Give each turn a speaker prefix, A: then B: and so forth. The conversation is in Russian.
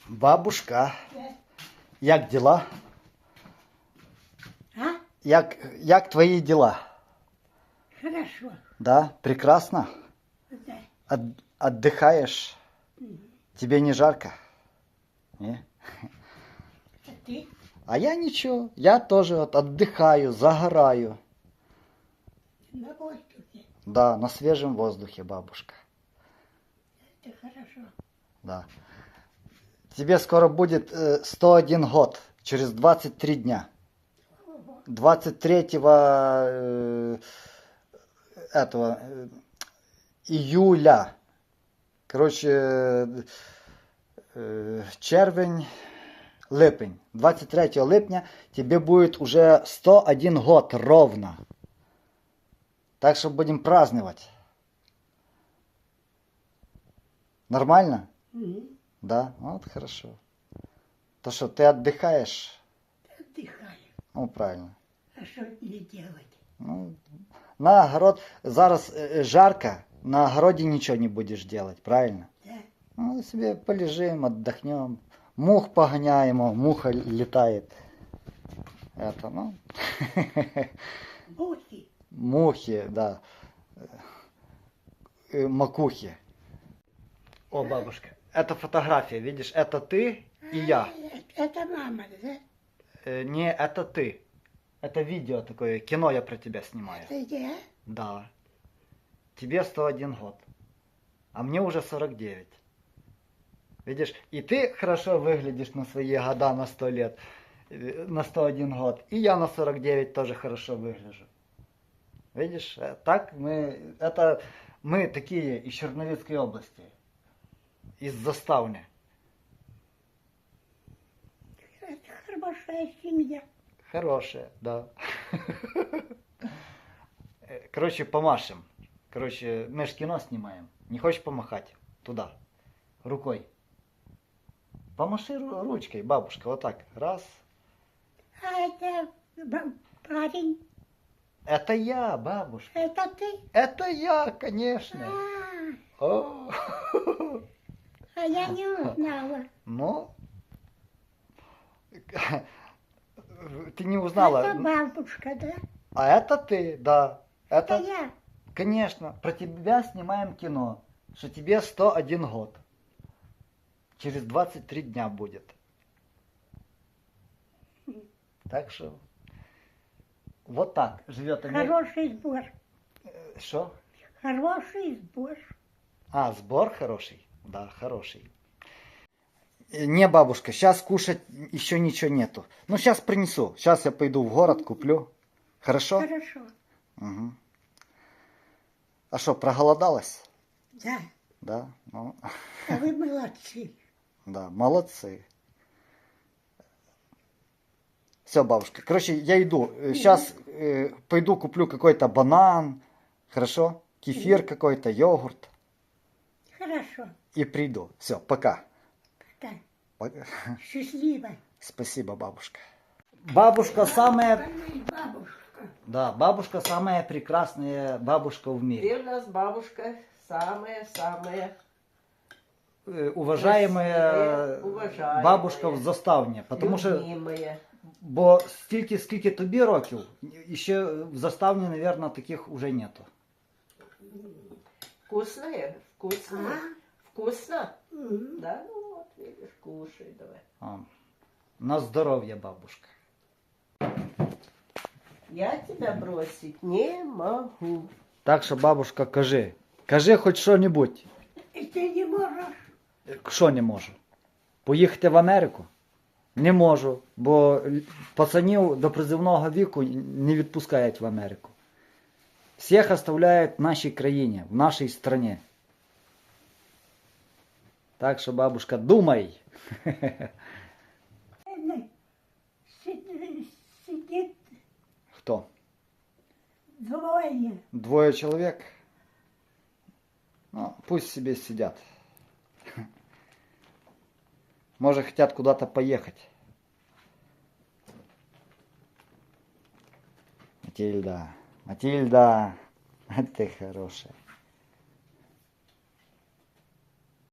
A: Бабушка, як дела?
B: А?
A: Як твои дела?
B: Хорошо.
A: Да, прекрасно.
B: Да.
A: Отдыхаешь? Тебе не жарко? Не?
B: А ты?
A: А я ничего, я тоже вот отдыхаю, загораю.
B: На воздухе.
A: Да, на свежем воздухе, бабушка.
B: Это хорошо.
A: Да. Тебе скоро будет 101 год, через 23 дня. 23 июля. Короче, червень, липень. 23 липня тебе будет уже 101 год ровно. Так что будем праздновать. Нормально? Да? Вот хорошо. То что, ты отдыхаешь?
B: Отдыхаю.
A: Ну, правильно.
B: А что мне делать?
A: Ну, на огород, зараз жарко, на огороде ничего не будешь делать, правильно?
B: Да.
A: Ну, себе полежим, отдохнем. Мух погоняем, муха летает. Это, ну.
B: Мухи.
A: Мухи, да. Макухи. О, бабушка, это фотография, видишь, это ты и я.
B: Это мама, да?
A: Не, это ты. Это видео такое, кино я про тебя снимаю.
B: Это я?
A: Да. Тебе 101 год. А мне уже 49. Видишь, и ты хорошо выглядишь на свои года, на 100 лет, на 101 год. И я на 49 тоже хорошо выгляжу. Видишь, так мы такие из Черновицкой области. Из Заставни.
B: Это хорошая семья.
A: Хорошая, да. Короче, помашем. Короче, мы ж кино снимаем. Не хочешь помахать? Туда. Рукой. Помаши ручкой, бабушка. Вот так. Раз.
B: А это парень.
A: Это я, бабушка.
B: Это ты?
A: Это я, конечно. О.
B: А я не узнала.
A: Ну, ты не узнала.
B: Это бабушка, да?
A: А это ты, да.
B: Это я.
A: Конечно, про тебя снимаем кино, что тебе 101 год. Через 23 дня будет. Так что вот так живет Америка.
B: Хороший сбор.
A: Что?
B: Хороший сбор.
A: А, сбор хороший? Да, хороший. Не, бабушка, сейчас кушать еще ничего нету. Ну, сейчас принесу. Сейчас я пойду в город, куплю. Хорошо?
B: Хорошо.
A: Угу. А что, проголодалась?
B: Да.
A: Да? Ну,
B: А вы молодцы.
A: да, молодцы. Все, бабушка. Короче, я иду. Сейчас пойду куплю какой-то банан. Хорошо? Кефир какой-то, йогурт.
B: Хорошо.
A: И приду. Все, пока.
B: Пока.
A: Пока.
B: Счастливо.
A: Спасибо, бабушка. Бабушка самая...
B: Бабушка.
A: Да, бабушка самая прекрасная бабушка в мире.
C: Ты у нас бабушка самая-самая
A: Уважаемая
C: уважаемая,
A: бабушка в Заставні. Потому що,
C: любимая.
A: бо скільки тобі років, і ще в Заставні, наверное, таких уже нету.
C: Вкусная? Вкусно? Вкусно?
B: Мгм.
C: Да, ну вот, видишь, кушай давай.
A: А, на здоров'я, бабушка.
C: Я тебя бросить не могу.
A: Так що, бабушка, кажи хоч що-небудь.
B: Ты не можешь.
A: Що не можу? Поїхати в Америку? Не можу, бо пацанів до призивного віку не відпускають в Америку. Всіх оставляють в нашій країні, в нашій стране. Так що, бабушка, думай.
B: Сидит
A: Хто?
B: двое.
A: Двое человек? Ну, пусть себе сидят. Может, хотят куда-то поехать. Матильда, Матильда, ты хорошая.